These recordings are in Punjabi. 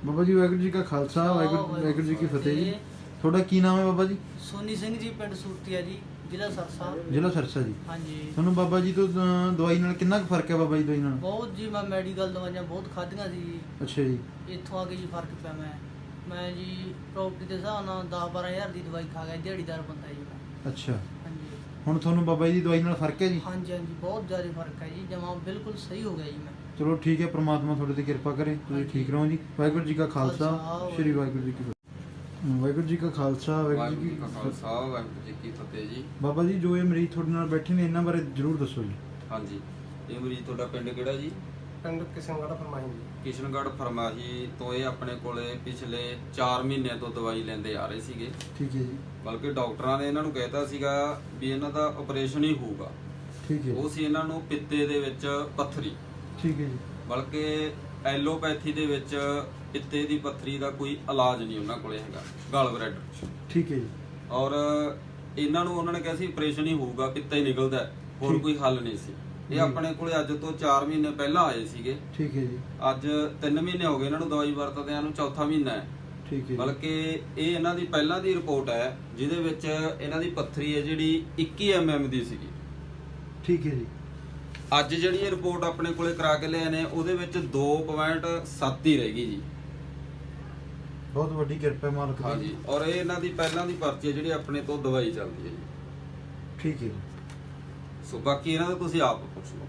ਬਾਬਾ ਜੀ ਵਾਹਿਗੁਰੂ ਜੀ ਕਾ ਖਾਲਸਾ ਵਾਹਿਗੁਰੂ ਜੀ ਕੀ ਫਤਿਹ ਜੀ। ਤੁਹਾਡਾ ਕੀ ਨਾਮ ਹੈ ਬਾਬਾ ਜੀ? ਸੋਨੀ ਸਿੰਘ ਜੀ, ਪਿੰਡ ਸੂਰਤੀਆ ਜੀ, ਜ਼ਿਲ੍ਹਾ ਸਰਸਾ। ਜ਼ਿਲ੍ਹਾ ਸਰਸਾ ਜੀ। ਹਾਂਜੀ। ਤੁਹਾਨੂੰ ਬਾਬਾ ਜੀ ਤੋਂ ਦਵਾਈ ਨਾਲ ਕਿੰਨਾ ਕੁ ਫਰਕ ਹੈ ਬਾਬਾ ਜੀ ਦਵਾਈ ਨਾਲ? ਬਹੁਤ ਜੀ, ਮੈਂ ਮੈਡੀਕਲ ਦਵਾਈਆਂ ਬਹੁਤ ਖਾਧੀਆਂ ਸੀ ਜੀ। ਅੱਛਾ ਜੀ। ਇੱਥੋਂ ਆ ਕੇ ਜੀ ਫਰਕ ਪਿਆ। ਮੈਂ ਜੀ ਪ੍ਰੋਪਰਟੀ ਦੇ ਹਿਸਾਬ ਨਾਲ 10-12 ਹਜ਼ਾਰ ਦੀ ਦਵਾਈ ਖਾ ਗਿਆ, ਦਿਹਾੜੀਦਾਰ ਬੰਦਾ ਜੀ ਮੈਂ। ਅੱਛਾ। ਹਾਂਜੀ। ਹੁਣ ਤੁਹਾਨੂੰ ਬਾਬਾ ਜੀ ਦੀ ਦਵਾਈ ਨਾਲ ਫਰਕ ਹੈ ਜੀ? ਹਾਂਜੀ ਹਾਂਜੀ, ਬਹੁਤ ਜ਼ਿਆਦਾ ਫਰਕ ਹੈ ਜੀ, ਜਮਾਂ ਬਿਲਕੁਲ ਸਹੀ ਹੋ ਗਿਆ ਜੀ ਮੈਂ। ਚਲੋ ਠੀਕ ਹੈ, ਪ੍ਰਮਾਤਮਾ ਤੁਹਾਡੇ ਤੇ ਕਿਰਪਾ ਕਰੇ, ਤੁਸੀਂ ਠੀਕ ਰਹੋ ਜੀ। ਵਾਹਿਗੁਰੂ ਜੀ ਕਾ ਖਾਲਸਾ ਸ਼੍ਰੀ ਵਾਹਿਗੁਰੂ ਜੀ ਕੀ ਫਤਿਹ। ਵਾਹਿਗੁਰੂ ਜੀ ਕਾ ਖਾਲਸਾ ਵਾਹਿਗੁਰੂ ਜੀ ਕੀ ਫਤਿਹ ਜੀ। ਬਾਬਾ ਜੀ, ਜੋ ਇਹ ਮਰੀਜ਼ ਤੁਹਾਡੇ ਨਾਲ ਬੈਠੇ ਨੇ ਇਹਨਾਂ ਬਾਰੇ ਜ਼ਰੂਰ ਦੱਸੋ ਜੀ। ਹਾਂਜੀ, ਇਹ ਮਰੀਜ਼ ਤੁਹਾਡਾ ਪਿੰਡ ਕਿਹੜਾ ਜੀ? ਪਿੰਡ ਕਿਸ਼ਨਗੜ੍ਹ ਫਰਮਾਹੀ ਜੀ। ਕਿਸ਼ਨਗੜ੍ਹ ਫਰਮਾਹੀ ਤੋਂ ਇਹ ਆਪਣੇ ਕੋਲੇ ਪਿਛਲੇ 4 ਮਹੀਨਿਆਂ ਤੋਂ ਦਵਾਈ ਲੈਂਦੇ ਆ ਰਹੇ ਸੀਗੇ। ਠੀਕ ਹੈ ਜੀ। ਬਲਕਿ ਡਾਕਟਰਾਂ ਨੇ ਇਹਨਾਂ ਨੂੰ ਕਹਿਤਾ ਸੀਗਾ ਵੀ ਇਹਨਾਂ ਦਾ ਆਪਰੇਸ਼ਨ ਹੀ ਹੋਊਗਾ। ਠੀਕ ਹੈ। ਉਹ ਸੀ ਇਹਨਾਂ ਨੂੰ ਪਿੱਤੇ ਦੇ ਵਿੱਚ ਪੱਥਰੀ। ਠੀਕ ਹੈ ਜੀ। ਬਲਕਿ ਐਲੋਪੈਥੀ ਦੇ ਵਿੱਚ ਪਿੱਤੇ ਦੀ ਪੱਥਰੀ ਦਾ ਕੋਈ ਇਲਾਜ ਨਹੀਂ ਉਹਨਾਂ ਕੋਲੇ ਹੈਗਾ, ਗਲ ਬਲੈਡਰ। ਠੀਕ ਹੈ ਜੀ। ਔਰ ਇਹਨਾਂ ਨੂੰ ਉਹਨਾਂ ਨੇ ਕਿਹਾ ਸੀ ਆਪਰੇਸ਼ਨ ਹੀ ਹੋਊਗਾ, ਪਿੱਤਾ ਹੀ ਨਿਕਲਦਾ, ਹੋਰ ਕੋਈ ਹੱਲ ਨਹੀਂ ਸੀ। ਇਹ ਆਪਣੇ ਕੋਲੇ ਅੱਜ ਤੋਂ 4 ਮਹੀਨੇ ਪਹਿਲਾਂ ਆਏ ਸੀਗੇ। ਠੀਕ ਹੈ ਜੀ। ਅੱਜ 3 ਮਹੀਨੇ ਹੋ ਗਏ ਇਹਨਾਂ ਨੂੰ ਦਵਾਈ ਵਰਤਦਿਆਂ ਨੂੰ, ਚੌਥਾ ਮਹੀਨਾ ਹੈ। ਠੀਕ ਹੈ। ਬਲਕਿ ਇਹ ਇਹਨਾਂ ਦੀ ਪਹਿਲਾਂ ਦੀ ਰਿਪੋਰਟ ਹੈ ਜਿਹਦੇ ਵਿੱਚ ਇਹਨਾਂ ਦੀ ਪੱਥਰੀ ਹੈ ਜਿਹੜੀ 21 mm ਦੀ ਸੀਗੀ। ਠੀਕ ਹੈ ਜੀ। ਅੱਜ ਜਿਹੜੀ ਇਹ ਰਿਪੋਰਟ ਆਪਣੇ ਕੋਲੇ ਕਰਾ ਕੇ ਲਿਆਏ ਨੇ ਉਹਦੇ ਵਿੱਚ 2.7 ਹੀ ਰਹਿ ਗਈ ਜੀ। ਬਹੁਤ ਵੱਡੀ ਕਿਰਪਾ ਮਾਲਕ ਦੀ। ਹਾਂਜੀ। ਔਰ ਇਹ ਇਹਨਾਂ ਦੀ ਪਹਿਲਾਂ ਦੀ ਪਰਚੀ ਹੈ ਜਿਹੜੀ ਆਪਣੇ ਤੋਂ ਦਵਾਈ ਚੱਲਦੀ ਹੈ ਜੀ। ਠੀਕ ਹੈ ਜੀ। ਸੋ ਬਾਕੀ ਇਹਨਾਂ ਦਾ ਤੁਸੀਂ ਆਪ ਪੁੱਛ ਲਓ।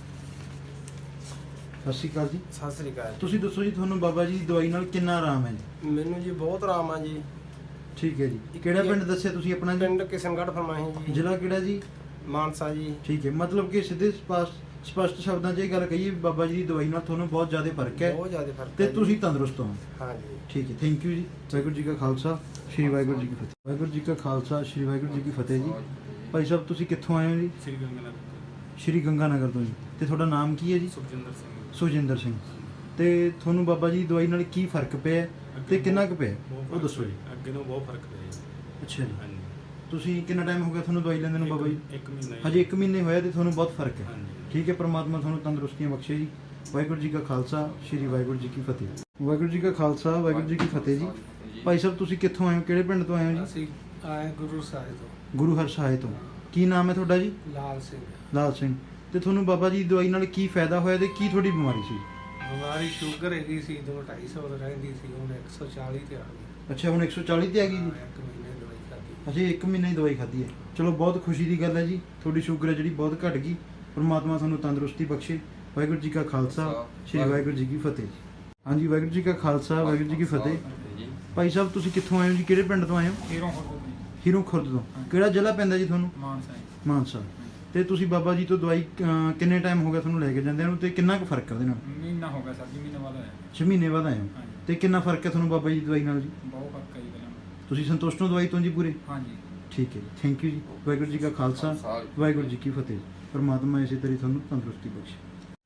ਸਤਿ ਸ਼੍ਰੀ ਅਕਾਲ ਜੀ। ਸਤਿ ਸ੍ਰੀ ਅਕਾਲ। ਤੁਸੀਂ ਦੱਸੋ ਜੀ, ਤੁਹਾਨੂੰ ਬਾਬਾ ਜੀ ਦੀ ਦਵਾਈ ਨਾਲ ਕਿੰਨਾ ਆਰਾਮ ਹੈ ਜੀ? ਮੈਨੂੰ ਜੀ ਬਹੁਤ ਆਰਾਮ ਆ ਜੀ। ਠੀਕ ਹੈ ਜੀ। ਕਿਹੜਾ ਪਿੰਡ ਦੱਸਿਆ ਤੁਸੀਂ ਆਪਣਾ ਜੀ? ਪਿੰਡ ਕਿਸ਼ਨਗੜ੍ਹ ਫਰਮਾਹੀ ਜੀ। ਜ਼ਿਲ੍ਹਾ ਕਿਹੜਾ ਜੀ? ਮਾਨਸਾ ਜੀ। ਠੀਕ ਹੈ, ਮਤਲਬ ਕਿ ਸਿੱਧੇ ਸਪਸ਼ਟ ਸ਼ਬਦਾਂ 'ਚ ਇਹ ਗੱਲ ਕਹੀਏ, ਬਾਬਾ ਜੀ ਦੀ ਦਵਾਈ ਨਾਲ ਤੁਹਾਨੂੰ ਬਹੁਤ ਜ਼ਿਆਦਾ ਫਰਕ ਹੈ ਬਹੁਤ ਜ਼ਿਆਦਾ ਫਰਕ ਤੇ ਹੈ ਤੁਸੀਂ ਤੰਦਰੁਸਤ ਹੋ। ਹਾਂਜੀ। ਠੀਕ ਹੈ, ਥੈਂਕ ਯੂ ਜੀ। ਵਾਹਿਗੁਰੂ ਜੀ ਕਾ ਖਾਲਸਾ ਸ਼੍ਰੀ ਵਾਹਿਗੁਰੂ ਜੀ ਕੀ ਫਤਿਹ। ਵਾਹਿਗੁਰੂ ਜੀ ਕਾ ਖਾਲਸਾ ਸ਼੍ਰੀ ਵਾਹਿਗੁਰੂ ਜੀ ਕੀ ਫਤਿਹ ਜੀ। ਭਾਈ ਸਾਹਿਬ, ਤੁਸੀਂ ਕਿੱਥੋਂ ਆਏ ਹੋ ਜੀ? ਸ਼੍ਰੀ ਗੰਗਾ ਨਗਰ ਤੋਂ ਜੀ। ਤੇ ਤੁਹਾਡਾ ਨਾਮ ਕੀ ਹੈ ਜੀ? ਸੁਖਜਿੰਦਰ ਸਿੰਘ। ਤੇ ਤੁਹਾਨੂੰ ਬਾਬਾ ਜੀ ਦੀ ਦਵਾਈ ਨਾਲ ਕੀ ਫਰਕ ਪਿਆ ਤੇ ਕਿੰਨਾ ਕੁ ਪਿਆ, ਉਹ ਦੱਸੋ ਜੀ। ਅੱਗੇ ਨੂੰ ਬਹੁਤ ਫਰਕ ਪਿਆ ਜੀ। ਅੱਛਾ ਜੀ। ਹਾਂਜੀ। ਤੁਸੀਂ ਕਿੰਨਾ ਟਾਈਮ ਹੋ ਗਿਆ ਤੁਹਾਨੂੰ ਦਵਾਈ ਲੈਂਦੇ ਨੂੰ ਬਾਬਾ ਜੀ? 1 ਮਹੀਨਾ। ਹਜੇ 1 ਮਹੀਨੇ ਹੋਇਆ ਤੇ ਤੁਹਾਨੂੰ ਬਹੁਤ ਫਰਕ ਹੈ। ਹਾਂਜੀ। ਠੀਕ ਹੈ, ਪ੍ਰਮਾਤਮਾ ਤੁਹਾਨੂੰ ਤੰਦਰੁਸਤੀਆਂ ਬਖਸ਼ੇ ਜੀ। ਵਾਹਿਗੁਰੂ ਜੀ ਕਾ ਖਾਲਸਾ ਸ਼੍ਰੀ ਵਾਹਿਗੁਰੂ ਜੀ ਕੀ ਫਤਿਹ। ਵਾਹਿਗੁਰੂ ਜੀ ਕਾ ਖਾਲਸਾ ਵਾਹਿਗੁਰੂ ਜੀ ਕੀ ਫਤਿਹ ਜੀ। ਭਾਈ ਸਾਹਿਬ, ਤੁਸੀਂ ਕਿੱਥੋਂ ਆਏ ਹੋ, ਕਿਹੜੇ ਪਿੰਡ ਤੋਂ ਆਏ ਹੋ ਜੀ? ਅਸੀਂ ਆਏ ਗੁਰੂ ਸਾਹਿਬ ਤੋਂ। ਗੁਰੂ ਹਰਸਹਾਏ ਤੋਂ। ਕੀ ਨਾਮ ਹੈ ਤੁਹਾਡਾ ਜੀ? ਲਾਲ ਸਿੰਘ। ਲਾਲ ਸਿੰਘ। ਤੇ ਤੁਹਾਨੂੰ ਬਾਬਾ ਜੀ ਦੀ ਦਵਾਈ ਨਾਲ ਕੀ ਫਾਇਦਾ ਹੋਇਆ ਤੇ ਕੀ ਤੁਹਾਡੀ ਬਿਮਾਰੀ ਸੀ? ਬਿਮਾਰੀ ਸ਼ੂਗਰ ਹੈਗੀ ਸੀ, 2-250 ਰਹਿੰਦੀ ਸੀ, ਹੁਣ 140 ਤੇ ਆ ਗਈ। ਅੱਛਾ, ਹੁਣ 140 ਤੇ ਆ ਗਈ ਜੀ। 1 ਮਹੀਨੇ ਦਵਾਈ ਖਾਧੀ। ਅਜੇ 1 ਮਹੀਨੇ ਦੀ ਦਵਾਈ ਖਾਧੀ ਹੈ। ਚਲੋ, ਬਹੁਤ ਖੁਸ਼ੀ ਦੀ ਗੱਲ ਹੈ ਜੀ। ਤੁਹਾਡੀ ਸ਼ੂਗਰ ਹੈ ਜਿਹੜੀ ਬਹੁਤ ਘਟ ਗਈ। ਪਰਮਾਤਮਾ ਤੁਹਾਨੂੰ ਤੰਦਰੁਸਤੀ ਬਖਸ਼ੇ। ਵਾਹਿਗੁਰੂ ਜੀ ਕਾ ਖਾਲਸਾ ਸ਼੍ਰੀ ਵਾਹਿਗੁਰੂ ਜੀ ਕੀ ਫਤਿਹ। ਹਾਂਜੀ, ਵਾਹਿਗੁਰੂ ਜੀ ਕਾ ਖਾਲਸਾ ਵਾਹਿਗੁਰੂ ਜੀ ਕੀ ਫਤਿਹ। ਭਾਈ ਸਾਹਿਬ, ਤੁਸੀਂ ਕਿੱਥੋਂ ਆਏ ਹੋ ਜੀ, ਕਿਹੜੇ ਪਿੰਡ ਤੋਂ ਆਏ ਹੋ? ਹੀਰੋਂ ਖੁਰਦ ਤੋਂ। ਕਿਹੜਾ ਜ਼ਿਲ੍ਹਾ ਪੈਂਦਾ ਜੀ ਤੁਹਾਨੂੰ? ਮਾਨਸਾ। ਤੇ ਤੁਸੀਂ ਬਾਬਾ ਜੀ ਤੋਂ ਦਵਾਈ ਕਿੰਨੇ ਟਾਈਮ ਹੋ ਗਿਆ ਤੁਹਾਨੂੰ ਲੈ ਕੇ ਜਾਂਦੇ ਨੂੰ, ਤੇ ਕਿੰਨਾ ਕੁ ਫਰਕ ਹੈ ਉਹਦੇ ਨਾਲ? ਮਹੀਨਾ ਹੋ ਗਿਆ ਸਰ ਜੀ, ਮਹੀਨੇ ਬਾਅਦ ਆਇਆ। 6 ਮਹੀਨੇ ਬਾਅਦ ਆਏ ਹੋ। ਤੇ ਕਿੰਨਾ ਫਰਕ ਹੈ ਤੁਹਾਨੂੰ ਬਾਬਾ ਜੀ ਦੀ ਦਵਾਈ ਨਾਲ ਜੀ? ਬਹੁਤ ਫਰਕ ਹੈ ਜੀ ਪਹਿਲਾਂ। ਤੁਸੀਂ ਸੰਤੁਸ਼ਟ ਹੋ ਦਵਾਈ ਤੋਂ ਜੀ ਪੂਰੇ? ਹਾਂਜੀ। ਠੀਕ ਹੈ ਜੀ, ਥੈਂਕ ਯੂ ਜੀ। ਵਾਹਿਗੁਰੂ ਜੀ ਕਾ ਖਾਲਸਾ ਵਾਹਿਗੁਰੂ ਜੀ ਕੀ ਫਤਿਹ। ਪਰਮਾਤਮਾ ਇਸੇ ਤਰ੍ਹਾਂ ਤੁਹਾਨੂੰ ਤੰਦਰੁਸਤੀ ਬਖਸ਼ੇ।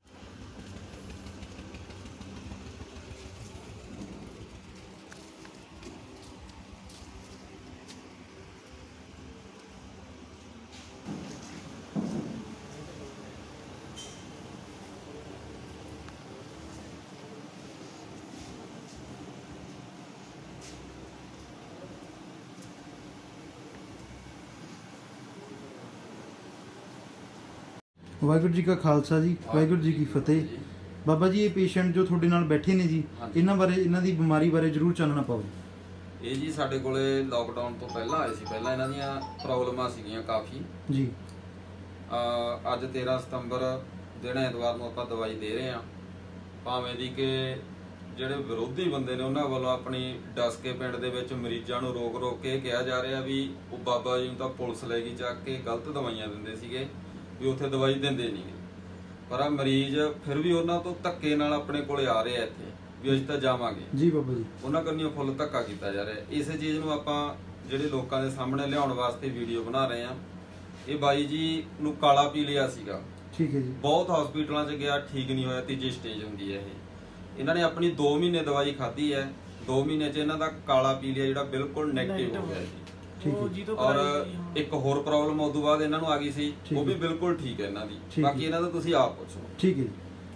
ਵਾਹਿਗੁਰੂ ਜੀ ਕਾ ਖਾਲਸਾ ਜੀ ਵਾਹਿਗੁਰੂ ਜੀ ਕੀ ਫਤਿਹ। ਬਾਬਾ ਜੀ, ਇਹ ਪੇਸ਼ੈਂਟ ਜੋ ਤੁਹਾਡੇ ਨਾਲ ਬੈਠੇ ਨੇ ਜੀ, ਇਹਨਾਂ ਬਾਰੇ, ਇਹਨਾਂ ਦੀ ਬਿਮਾਰੀ ਬਾਰੇ ਜ਼ਰੂਰ ਚਾਨਣਾ ਪਾਓ। ਇਹ ਜੀ ਸਾਡੇ ਕੋਲੇ ਲੋਕਡਾਊਨ ਤੋਂ ਪਹਿਲਾਂ ਆਏ ਸੀ। ਪਹਿਲਾਂ ਇਹਨਾਂ ਦੀਆਂ ਪ੍ਰੋਬਲਮਾਂ ਸੀਗੀਆਂ ਕਾਫੀ ਜੀ। ਅੱਜ 13 ਸਤੰਬਰ ਦਿਨ ਐਤਵਾਰ ਨੂੰ ਆਪਾਂ ਦਵਾਈ ਦੇ ਰਹੇ ਹਾਂ। ਭਾਵੇਂ ਦੀ ਕਿ ਜਿਹੜੇ ਵਿਰੋਧੀ ਬੰਦੇ ਨੇ ਉਹਨਾਂ ਵੱਲੋਂ ਆਪਣੀ ਡਸਕੇ ਪਿੰਡ ਦੇ ਵਿੱਚ ਮਰੀਜ਼ਾਂ ਨੂੰ ਰੋਕ ਕੇ ਕਿਹਾ ਜਾ ਰਿਹਾ ਵੀ ਉਹ ਬਾਬਾ ਜੀ ਨੂੰ ਤਾਂ ਪੁਲਿਸ ਲੈ ਗਈ ਚੱਕ ਕੇ, ਗਲਤ ਦਵਾਈਆਂ ਦਿੰਦੇ ਸੀਗੇ, ਵੀ ਉੱਥੇ ਦਵਾਈ ਦਿੰਦੇ ਨਹੀਂ। ਪਰ ਆ ਮਰੀਜ਼ ਫਿਰ ਵੀ ਉਹਨਾਂ ਤੋਂ ਧੱਕੇ ਨਾਲ ਆਪਣੇ ਕੋਲੇ ਆ ਰਹੇ ਆ ਇੱਥੇ ਵੀ ਅਸੀਂ ਤਾਂ ਜਾਵਾਂਗੇ ਜੀ। ਬਾਬਾ ਜੀ, ਉਹਨਾਂ ਕੰਨਿਓ ਫੁੱਲ ਧੱਕਾ ਕੀਤਾ ਜਾ ਰਿਹਾ। ਇਸੇ ਚੀਜ਼ ਨੂੰ ਆਪਾਂ ਜਿਹੜੇ ਲੋਕਾਂ ਦੇ ਸਾਹਮਣੇ ਲਿਆਉਣ ਵਾਸਤੇ ਵੀਡੀਓ ਬਣਾ ਰਹੇ ਆ। ਇਹ ਬਾਈ ਜੀ ਨੂੰ ਕਾਲਾ ਪੀ ਲਿਆ ਸੀਗਾ। ਠੀਕ ਹੈ ਜੀ। ਬਹੁਤ ਹਸਪੀਟਲਾਂ 'ਚ ਗਿਆ, ਠੀਕ ਨਹੀਂ ਹੋਇਆ। ਤੀਜੀ ਸਟੇਜ ਹੁੰਦੀ ਹੈ ਇਹ। ਇਹਨਾਂ ਨੇ ਆਪਣੀ 2 ਮਹੀਨੇ ਦਵਾਈ ਖਾਧੀ ਹੈ। 2 ਮਹੀਨੇ 'ਚ ਇਹਨਾਂ ਦਾ ਕਾਲਾ ਪੀ ਲਿਆ ਜਿਹੜਾ ਬਿਲਕੁਲ ਨੈਗੇਟਿਵ ਹੋ ਗਿਆ ਜੀ। ਔਰ ਇੱਕ ਹੋਰ ਪ੍ਰੋਬਲਮ ਉਸ ਤੋਂ ਬਾਅਦ ਇਹਨਾਂ ਨੂੰ ਆ ਗਈ ਸੀ, ਉਹ ਵੀ ਬਿਲਕੁਲ ਠੀਕ ਹੈ ਇਹਨਾਂ ਦੀ। ਬਾਕੀ ਇਹਨਾਂ ਦਾ ਤੁਸੀਂ ਆਪ ਪੁੱਛੋ। ਠੀਕ ਹੈ ਜੀ।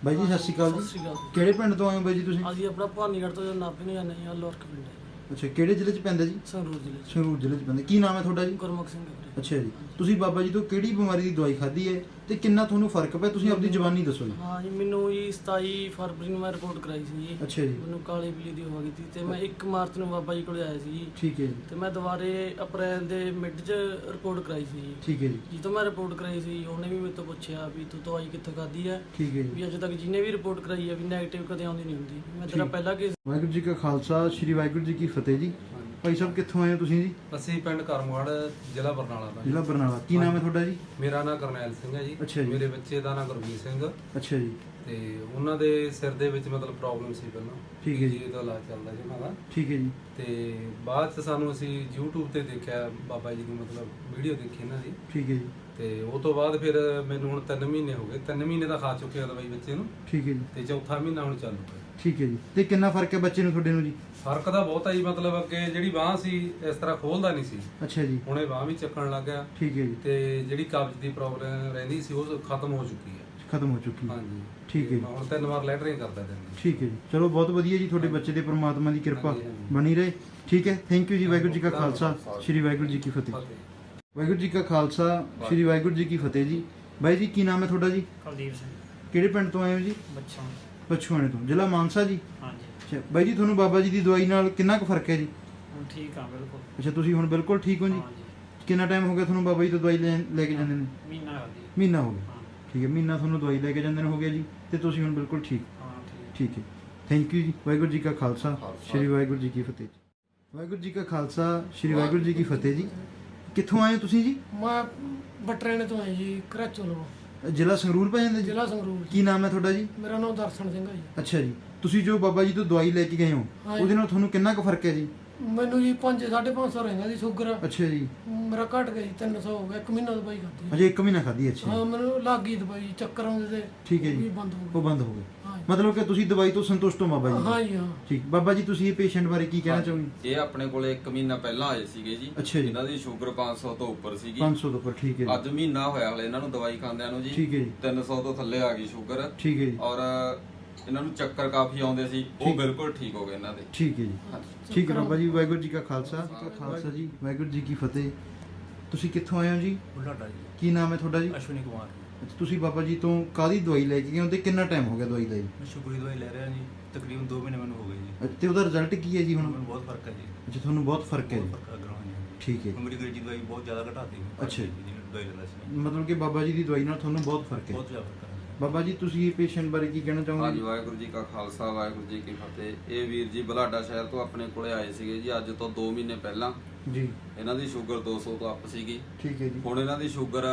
ਬਾਈ ਜੀ ਸਤਿ ਸ਼੍ਰੀ ਅਕਾਲ ਸਤਿ ਜੀ। ਸ਼੍ਰੀ ਅਕਾਲ ਜੀ। ਕਿਹੜੇ ਪਿੰਡ ਤੋਂ ਆਏ ਹੋ ਬਾਈ ਜੀ ਤੁਸੀਂ? ਅਸੀਂ ਆਪਣਾ ਭਾਨੀਗੜ੍ਹ ਤੋਂ ਨਾਭੇ ਨੂੰ ਜਾਂਦੇ ਹਾਂ ਲੋਰਕ ਪਿੰਡ ਹੈ ਅੱਛਾ, ਕਿਹੜੇ ਜ਼ਿਲ੍ਹੇ 'ਚ ਪੈਂਦਾ ਜੀ? ਸੰਗਰੂਰ ਜ਼ਿਲ੍ਹੇ 'ਚ। ਸੰਗਰੂਰ ਜ਼ਿਲ੍ਹੇ 'ਚ ਪੈਂਦਾ। ਕੀ ਨਾਮ ਹੈ ਤੁਹਾਡਾ ਜੀ? ਗੁਰਮੁਖ ਸਿੰਘ ਵੀਰੇ। ਅੱਛਾ ਜੀ, ਤੁਸੀਂ ਬਾਬਾ ਜੀ ਤੋਂ ਕਿਹੜੀ ਬਿਮਾਰੀ ਦੀ ਦਵਾਈ ਖਾਧੀ ਹੈ ਤੇ ਕਿੰਨਾ ਤੁਹਾਨੂੰ ਫਰਕ ਪਿਆ? ਤੁਸੀਂ ਆਪਣੀ ਜ਼ੁਬਾਨੀ ਦੱਸੋ ਜੀ। ਹਾਂ ਜੀ, ਮੈਨੂੰ ਜੀ 27 ਫਰਵਰੀ ਨੂੰ ਮੈਂ ਰਿਪੋਰਟ ਕਰਾਈ ਸੀ ਜੀ। ਅੱਛਾ ਜੀ, ਮੈਨੂੰ ਕਾਲੀ ਪੀਲੀ ਦੀ ਹੋ ਗਈ ਸੀ ਤੇ ਮੈਂ 1 ਮਾਰਚ ਨੂੰ ਬਾਬਾ ਜੀ ਕੋਲ ਆਇਆ ਸੀ ਜੀ। ਠੀਕ ਹੈ ਜੀ, ਤੇ ਮੈਂ ਦੁਬਾਰੇ ਅਪ੍ਰੈਲ ਦੇ ਮਿਡ 'ਚ ਰਿਪੋਰਟ ਕਰਾਈ ਸੀ ਜੀ। ਠੀਕ ਹੈ ਜੀ, ਜਦੋਂ ਮੈਂ ਰਿਪੋਰਟ ਕਰਾਈ ਸੀ ਉਹਨੇ ਵੀ ਮੇਰੇ ਤੋਂ ਪੁੱਛਿਆ ਵੀ ਤੂੰ ਦਵਾਈ ਕਿੱਥੋਂ ਖਾਧੀ ਹੈ, ਠੀਕ ਹੈ ਜੀ। ਵੀ ਅਜੇ ਤੱਕ ਜਿਹਨੇ ਵੀ ਰਿਪੋਰਟ ਕਰਾਈ ਹੈ ਵੀ ਨੈਗੇਟਿਵ ਕਦੇ ਆਉਂਦੀ ਨਹੀਂ ਹੁੰਦੀ। ਮੈਂ ਤੇਰਾ ਠੀਕ। ਪਹਿਲਾ ਕੇਸ ਵਾਹਿਗੁਰੂ ਜੀ ਕਾ ਖਾਲਸਾ, ਸ੍ਰੀ ਵਾਹਿਗੁਰੂ ਜੀ ਕੀ ਫਤਿਹ ਜੀ। ਭਾਈ ਸਾਹਿਬ ਕਿੱਥੋਂ ਆਏ ਹੋ ਤੁਸੀਂ ਜੀ? ਅਸੀਂ ਪਿੰਡ ਕਰਮਗੜ੍ਹ ਜ਼ਿਲ੍ਹਾ ਬਰਨਾਲਾ ਦਾ ਜੀ। ਜ਼ਿਲ੍ਹਾ ਬਰਨਾਲਾ। ਕੀ ਨਾਮ ਹੈ ਤੁਹਾਡਾ ਜੀ? ਮੇਰਾ ਨਾਮ ਕਰਨੈਲ ਸਿੰਘ ਹੈ ਜੀ। ਅੱਛਾ ਜੀ। ਮੇਰੇ ਬੱਚੇ ਦਾ ਨਾਮ ਗੁਰਮੀਤ ਸਿੰਘ ਅੱਛਾ ਜੀ, ਤੇ ਉਹਨਾਂ ਦੇ ਸਿਰ ਦੇ ਵਿੱਚ ਮਤਲਬ ਪ੍ਰੋਬਲਮ ਸੀ ਪਹਿਲਾਂ। ਠੀਕ ਹੈ ਜੀ। ਇਹਦਾ ਇਲਾਜ ਚੱਲਦਾ ਜੀ ਉਹਨਾਂ ਦਾ। ਠੀਕ ਹੈ ਜੀ, ਤੇ ਬਾਅਦ ਚ ਸਾਨੂੰ ਅਸੀਂ YouTube ਤੇ ਦੇਖਿਆ ਬਾਬਾ ਜੀ ਦੀ ਮਤਲਬ ਵੀਡੀਓ ਦੇਖੀ ਇਹਨਾਂ ਦੀ। ਠੀਕ ਹੈ ਜੀ, ਤੇ ਉਹ ਤੋਂ ਬਾਅਦ ਫਿਰ ਮੈਨੂੰ ਹੁਣ 3 ਮਹੀਨੇ ਹੋ ਗਏ। 3 ਮਹੀਨੇ ਦਾ ਖਾ ਚੁੱਕੇ ਆ ਦਵਾਈ ਬੱਚੇ ਨੂੰ ਠੀਕ ਹੈ ਜੀ, ਤੇ ਚੌਥਾ ਮਹੀਨਾ ਹੁਣ ਚਾਲੂ ਹੈ। ਠੀਕ ਹੈ ਜੀ। ਤੇ ਕਿੰਨਾ ਫਰਕ ਹੈ ਬੱਚੇ ਨੂੰ ਤੁਹਾਡੇ ਨੂੰ ਜੀ? ਫਰਕ ਤਾਂ ਬਹੁਤ ਹੈ ਜੀ। ਮਤਲਬ ਅੱਗੇ ਜਿਹੜੀ ਬਾਂਹ ਸੀ ਇਸ ਤਰ੍ਹਾਂ ਖੋਲਦਾ ਨਹੀਂ ਸੀ, ਅੱਛਾ ਜੀ, ਹੁਣ ਇਹ ਬਾਂਹ ਵੀ ਚੱਕਣ ਲੱਗ ਗਿਆ। ਠੀਕ ਹੈ ਜੀ, ਤੇ ਜਿਹੜੀ ਕਬਜ਼ ਦੀ ਪ੍ਰੋਬਲਮ ਰਹਿੰਦੀ ਸੀ ਉਹ ਖਤਮ ਹੋ ਚੁੱਕੀ ਹੈ। ਖਤਮ ਹੋ ਚੁੱਕੀ। ਹਾਂਜੀ, ਠੀਕ ਹੈ ਜੀ, ਮੈਂ ਹੁਣ 3 ਵਾਰ ਲੈਟਰਿੰਗ ਕਰਦਾ ਦਿਨ ਦੀ। ਠੀਕ ਹੈ ਜੀ। ਚਲੋ ਬਹੁਤ ਵਧੀਆ ਜੀ, ਤੁਹਾਡੇ ਬੱਚੇ ਦੇ ਪ੍ਰਮਾਤਮਾ ਦੀ ਕਿਰਪਾ ਹਾਂਜੀ, ਹਾਂਜੀ। ਬਣੀ ਰਹੇ। ਠੀਕ ਹੈ, ਥੈਂਕ ਯੂ ਜੀ। ਵਾਹਿਗੁਰੂ ਜੀ ਕਾ ਖਾਲਸਾ, ਸ੍ਰੀ ਵਾਹਿਗੁਰੂ ਜੀ ਕੀ ਫਤਿਹ। ਫਤਿਹ। ਵਾਹਿਗੁਰੂ ਜੀ ਕਾ ਖਾਲਸਾ, ਸ੍ਰੀ ਵਾਹਿਗੁਰੂ ਜੀ ਕੀ ਫਤਿਹ ਜੀ। ਬਾਈ ਜੀ ਕੀ ਨਾਮ ਹੈ ਤੁਹਾਡਾ ਜੀ? ਕੁਲਦੀਪ ਸਿੰਘ ਕਿਹੜੇ ਪਿੰਡ ਤੋਂ ਆਏ ਹੋ ਜੀ? ਬੱਚਾ ਪਛੂਆਣੇ ਤੋਂ, ਜ਼ਿਲ੍ਹਾ ਮਾਨਸਾ ਜੀ। ਹਾਂਜੀ ਅੱਛਾ ਬਾਈ ਜੀ, ਤੁਹਾਨੂੰ ਬਾਬਾ ਜੀ ਦੀ ਦਵਾਈ ਨਾਲ ਕਿੰਨਾ ਕੁ ਫਰਕ ਹੈ ਜੀ? ਹੁਣ ਠੀਕ ਆ ਬਿਲਕੁਲ। ਅੱਛਾ, ਤੁਸੀਂ ਹੁਣ ਬਿਲਕੁਲ ਠੀਕ ਹੋ ਜੀ? ਹਾਂਜੀ ਕਿੰਨਾ ਟਾਈਮ ਹੋ ਗਿਆ ਤੁਹਾਨੂੰ ਬਾਬਾ ਜੀ ਤੋਂ ਦਵਾਈ ਲੈ ਕੇ ਜਾਂਦੇ ਨੇ? ਮਹੀਨਾ ਹੋ ਗਿਆ। ਮਹੀਨਾ ਹੋ ਗਿਆ। ਹਾਂ ਠੀਕ ਹੈ, ਮਹੀਨਾ ਤੁਹਾਨੂੰ ਦਵਾਈ ਲੈ ਕੇ ਜਾਂਦੇ ਨੇ ਹੋ ਗਿਆ ਜੀ, ਤੇ ਤੁਸੀਂ ਹੁਣ ਬਿਲਕੁਲ ਠੀਕ। ਹਾਂ ਠੀਕ। ਠੀਕ ਹੈ, ਥੈਂਕ ਯੂ ਜੀ। ਵਾਹਿਗੁਰੂ ਜੀ ਕਾ ਖਾਲਸਾ, ਸ੍ਰੀ ਵਾਹਿਗੁਰੂ ਜੀ ਕੀ ਫਤਿਹ। ਵਾਹਿਗੁਰੂ ਜੀ ਕਾ ਖਾਲਸਾ, ਸ੍ਰੀ ਵਾਹਿਗੁਰੂ ਜੀ ਕੀ ਫਤਿਹ ਜੀ। ਕਿੱਥੋਂ ਆਏ ਹੋ ਤੁਸੀਂ ਜੀ? ਮੈਂ ਬਟਰੇਣੇ ਤੋਂ ਆਇਆ ਜੀ, ਘਰਾਚੋਂ ਲਵੋ, ਜ਼ਿਲ੍ਹਾ ਸੰਗਰੂਰ ਪੈ ਜਾਂਦਾ ਜੀ? ਜ਼ਿਲ੍ਹਾ ਸੰਗਰੂਰ। ਕੀ ਨਾਮ ਹੈ ਤੁਹਾਡਾ ਜੀ? ਮੇਰਾ ਨਾਮ ਦਰਸ਼ਨ ਸਿੰਘ ਹੈ ਜੀ। ਅੱਛਾ ਜੀ, ਤੁਸੀਂ ਜੋ ਬਾਬਾ ਜੀ ਤੋਂ ਦਵਾਈ ਲੈ ਕੇ ਗਏ ਹੋ ਹਾਂਜੀ। ਉਹਦੇ ਨਾਲ ਤੁਹਾਨੂੰ ਕਿੰਨਾ ਕੁ ਫਰਕ ਹੈ ਜੀ? ਮੈਨੂੰ ਜੀ 5-550 ਰਹਿੰਦਾ ਜੀ ਸ਼ੂਗਰ। ਅੱਛਾ ਜੀ, ਮੇਰਾ ਘਟ ਗਿਆ ਜੀ, 300 ਹੋ ਗਿਆ। 1 ਮਹੀਨਾ ਦਵਾਈ ਖਾਧੀ। ਅਜੇ 1 ਮਹੀਨਾ ਖਾਧੀ। ਅੱਛਾ ਹਾਂ, ਜੀ, ਮੈਨੂੰ ਲੱਗ ਗਈ ਦਵਾਈ, ਚੱਕਰ ਆਉਂਦੇ ਤੇ ਠੀਕ ਹੈ ਉਹ ਵੀ ਜੀ, ਬੰਦ ਹੋ ਉਹ ਗਈ। ਬੰਦ ਹੋ ਗਏ। ਹਾਂ ਜੀ। ਮਤਲਬ ਕਿ ਤੁਸੀਂ ਦਵਾਈ ਤੋਂ ਸੰਤੁਸ਼ਟ ਹੋ ਬਾਬਾ ਜੀ? ਹਾਂ ਜੀ, ਹਾਂ। ਠੀਕ। ਬਾਬਾ ਜੀ ਤੁਸੀਂ ਇਹ ਪੇਸ਼ੈਂਟ ਬਾਰੇ ਕੀ ਕਹਿਣਾ ਚਾਹੋਗੇ? ਇਹ ਆਪਣੇ ਕੋਲੇ 1 ਮਹੀਨਾ ਪਹਿਲਾਂ ਆਏ ਸੀਗੇ ਜੀ। ਅੱਛਾ ਜੀ। ਇਹਨਾਂ ਦੀ ਸ਼ੂਗਰ 500 ਤੋਂ ਉੱਪਰ ਸੀਗੀ। 500 ਤੋਂ ਉੱਪਰ, ਠੀਕ ਹੈ ਜੀ, ਅੱਜ ਮਹੀਨਾ ਹੋਇਆ ਹਲੇ ਇਹਨਾਂ ਨੂੰ ਦਵਾਈ ਖਾਂਦਿਆਂ ਨੂੰ ਜੀ। ਠੀਕ ਹੈ ਜੀ, 300 ਤੋਂ ਥੱਲੇ ਆ ਗਈ ਸ਼ੂਗਰ। ਠੀਕ ਹੈ ਜੀ, ਔਰ ਇਹਨਾਂ ਨੂੰ ਚੱਕਰ ਕਾਫੀ ਆਉਂਦੇ ਸੀ, ਉਹ ਠੀਕ। ਬਿਲਕੁਲ ਠੀਕ ਹੋ ਗਏ ਇਹਨਾਂ ਦੇ। ਠੀਕ ਹੈ ਜੀ, ਠੀਕ ਹੈ ਬਾਬਾ ਜੀ। ਵਾਹਿਗੁਰੂ ਜੀ ਕਾ ਖਾਲਸਾ, ਖਾਲਸਾ ਜੀ, ਵਾਹਿਗੁਰੂ ਜੀ ਕੀ ਫਤਿਹ। ਤੁਸੀਂ ਕਿੱਥੋਂ ਆਏ ਹੋ ਜੀ? ਬੁਢਾਡਾ ਜੀ। ਕੀ ਨਾਮ ਹੈ ਤੁਹਾਡਾ ਜੀ? ਅਸ਼ਵਨੀ ਕੁਮਾਰ। ਅੱਛਾ, ਤੁਸੀਂ ਬਾਬਾ ਜੀ ਤੋਂ ਕਾਹਦੀ ਦਵਾਈ ਲੈ ਕੇ ਗਏ ਹੋ ਤੇ ਕਿੰਨਾ ਟਾਈਮ ਹੋ ਗਿਆ ਦਵਾਈ ਲਈ? ਮੈਂ ਸ਼ੂਗਰ ਦੀ ਦਵਾਈ ਲੈ ਰਿਹਾ ਜੀ, ਤਕਰੀਬਨ 2 ਮਹੀਨੇ ਮੈਨੂੰ ਹੋ ਗਏ ਜੀ। ਤੇ ਉਹਦਾ ਰਿਜ਼ਲਟ ਕੀ ਹੈ ਜੀ ਹੁਣ? ਮੈਨੂੰ ਬਹੁਤ ਫਰਕ ਹੈ ਜੀ। ਅੱਛਾ, ਤੁਹਾਨੂੰ ਬਹੁਤ ਫਰਕ ਹੈ ਬਹੁਤ ਜੀ। ਫਰਕ ਅਗਰ ਹੋਣੀ ਹੈ। ਠੀਕ ਹੈ, ਮੇਰੀ ਅੰਗਰੇਜ਼ੀ ਦਵਾਈ ਬਹੁਤ ਜ਼ਿਆਦਾ ਘਟਾਤੀ ਮੈਂ। ਅੱਛਾ ਜੀ। ਜਿਹਨੂੰ ਦਵਾਈ ਲੈਂਦਾ ਸੀ ਮਤਲਬ ਕਿ ਬਾਬਾ ਜੀ ਦੀ ਦਵਾਈ ਨਾਲ ਤੁਹਾਨੂੰ ਬਹੁਤ ਫਰਕ ਹੈ। ਬਹੁਤ ਜ਼ਿਆਦਾ ਫਰਕ ਹੈ। ਬਾਬਾ ਜੀ ਤੁਸੀਂ ਇਹ ਪੇਸ਼ੈਂਟ ਬਾਰੇ ਕੀ ਕਹਿਣਾ ਚਾਹੋਗੇ ਹਾਂਜੀ, ਜੀ? ਵਾਹਿਗੁਰੂ ਜੀ ਕਾ ਖਾਲਸਾ, ਵਾਹਿਗੁਰੂ ਜੀ ਕੀ ਫਤਿਹ। ਇਹ ਵੀਰ ਜੀ ਬਲਾਡਾ ਸ਼ਹਿਰ ਤੋਂ ਆਪਣੇ ਕੋਲੇ ਆਏ ਸੀਗੇ ਜੀ, ਅੱਜ ਤੋਂ 2 ਮਹੀਨੇ ਪਹਿਲਾਂ। ਜੀ, ਇਹਨਾਂ ਦੀ ਸ਼ੂਗਰ 200 ਤੋਂ ਅੱਪ ਸੀਗੀ। ਠੀਕ ਹੈ ਜੀ, ਹੁਣ ਇਹਨਾਂ ਦੀ ਸ਼ੂਗਰ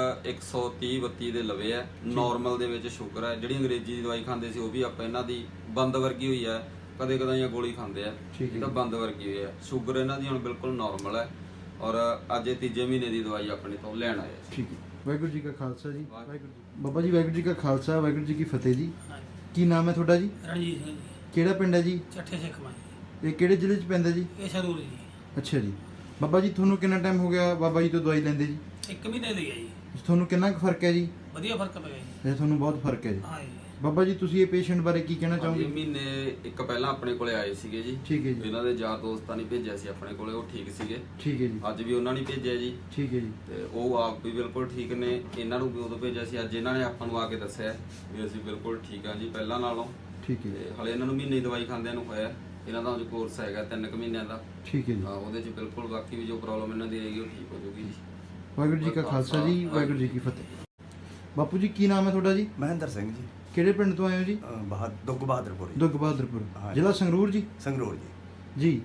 130-32 ਦੇ ਲਵੇ ਹੈ। ਨਾਰਮਲ ਦੇ ਵਿੱਚ ਸ਼ੂਗਰ ਹੈ। ਜਿਹੜੀ ਅੰਗਰੇਜ਼ੀ ਦੀ ਦਵਾਈ ਖਾਂਦੇ ਸੀ ਉਹ ਵੀ ਆਪਾਂ ਇਹਨਾਂ ਦੀ ਬੰਦ ਵਰਗੀ ਹੋਈ ਹੈ। ਕਦੇ ਕਦਾਈਆਂ ਗੋਲੀ ਖਾਂਦੇ ਆ, ਠੀਕ ਹੈ ਇਹ ਤਾਂ ਬੰਦ ਵਰਗੀ ਹੋਈ ਹੈ। ਸ਼ੂਗਰ ਇਹਨਾਂ ਦੀ ਹੁਣ ਬਿਲਕੁਲ ਨਾਰਮਲ ਹੈ। ਔਰ ਅੱਜ ਇਹ 3 ਮਹੀਨੇ ਦੀ ਦਵਾਈ ਆਪਣੇ ਤੋਂ ਲੈਣ ਆਏ ਸੀ। ਠੀਕ ਹੈ। ਵਾਹਿਗੁਰੂ ਜੀ ਕਾ ਖਾਲਸਾ ਜੀ, ਵਾਹਿਗੁਰੂ ਜੀ। ਬਾਬਾ ਜੀ ਵਾਹਿਗੁਰੂ ਜੀ ਕਾ ਖਾਲਸਾ, ਵਾਹਿਗੁਰੂ ਜੀ ਕੀ ਫਤਿਹ ਜੀ। ਕੀ ਨਾਮ ਹੈ ਤੁਹਾਡਾ ਜੀ? ਰਣਜੀਤ ਸਿੰਘ ਜੀ, ਕਿਹੜਾ ਪਿੰਡ ਹੈ ਜੀ? ਚੱਠੇ ਸਿੱਖ ਮਾਈ। ਇਹ ਕਿਹੜੇ ਜ਼ਿਲ੍ਹੇ 'ਚ ਪੈਂਦਾ ਜੀ? ਇਹ ਸਰੂਰ ਜੀ। ਅੱਛਾ ਜੀ। ਬਾਬਾ ਜੀ ਤੁਹਾਨੂੰ ਕਿੰਨਾ ਟਾਈਮ ਹੋ ਗਿਆ ਬਾਬਾ ਜੀ ਤੋਂ ਦਵਾਈ ਲੈਂਦੇ ਜੀ? 1 ਮਹੀਨੇ ਦੀ ਹੈ ਜੀ। ਤੁਹਾਨੂੰ ਕਿੰਨਾ ਕੁ ਫਰਕ ਹੈ ਜੀ? ਵਧੀਆ ਫਰਕ ਪਿਆ ਜੀ। ਇਹ ਤੁਹਾਨੂੰ ਬਹੁਤ ਫਰਕ ਹੈ ਜੀ। ਹਾਂ ਜੀ। ਬਾਬਾ ਜੀ ਤੁਸੀਂ ਇਹ ਪੇਸ਼ੈਂਟ ਬਾਰੇ ਕੀ ਕਹਿਣਾ ਹਾਂਜੀ, ਚਾਹੋਗੇ? ਮਹੀਨੇ ਇੱਕ ਪਹਿਲਾਂ ਆਪਣੇ ਕੋਲੇ ਆਏ ਸੀਗੇ ਜੀ। ਠੀਕ ਹੈ ਜੀ, ਇਹਨਾਂ ਦੇ ਯਾਰ ਦੋਸਤਾਂ ਨੇ ਭੇਜਿਆ ਸੀ ਆਪਣੇ ਕੋਲੇ, ਉਹ ਠੀਕ ਸੀਗੇ। ਠੀਕ ਹੈ ਜੀ, ਅੱਜ ਵੀ ਉਹਨਾਂ ਨੇ ਭੇਜਿਆ ਜੀ, ਠੀਕ ਹੈ ਜੀ, ਤੇ ਉਹ ਆਪ ਵੀ ਬਿਲਕੁਲ ਠੀਕ ਨੇ। ਇਹਨਾਂ ਨੂੰ ਵੀ ਉਦੋਂ ਭੇਜਿਆ ਸੀ, ਅੱਜ ਇਹਨਾਂ ਨੇ ਆਪਾਂ ਨੂੰ ਆ ਕੇ ਦੱਸਿਆ ਵੀ ਅਸੀਂ ਬਿਲਕੁਲ ਠੀਕ ਹਾਂ ਜੀ ਪਹਿਲਾਂ ਨਾਲੋਂ। ਠੀਕ ਹੈ, ਤੇ ਹਲੇ ਇਹਨਾਂ ਨੂੰ ਮਹੀਨੇ ਦੀ ਦਵਾਈ ਖਾਂਦਿਆਂ ਨੂੰ ਹੋਇਆ। ਇਹਨਾਂ ਦਾ ਜੋ ਕੋਰਸ ਹੈਗਾ 3 ਮਹੀਨਿਆਂ ਦਾ। ਠੀਕ ਹੈ ਜੀ। ਹਾਂ, ਉਹਦੇ 'ਚ ਬਿਲਕੁਲ ਬਾਕੀ ਵੀ ਜੋ ਪ੍ਰੋਬਲਮ ਇਹਨਾਂ ਦੀ ਰਹੇਗੀ ਉਹ ਠੀਕ ਹੋ ਜਾਊਗੀ ਜੀ। ਵਾਹਿਗੁਰੂ ਜੀ ਕਾ ਖਾਲਸਾ ਜੀ, ਵਾਹਿਗੁਰੂ ਜੀ ਕੀ ਫਤਿਹ। ਬਾਪੂ ਜੀ ਕੀ ਨਾਮ ਹੈ ਤੁਹਾਡਾ ਜੀ? ਮਹਿੰਦਰ ਸਿੰਘ ਜੀ, ਕਿਹੜੇ ਪਿੰਡ ਤੋਂ ਆਏ ਹੋ ਜੀ? ਦੁੱਗ ਬਹਾਦਰਪੁਰ ਜੀ। ਦੁੱਗ ਬਹਾਦਰਪੁਰ, ਹਾਂਜੀ। ਜ਼ਿਲ੍ਹਾ ਸੰਗਰੂਰ ਜੀ। ਸੰਗਰੂਰ ਜੀ। ਜੀ,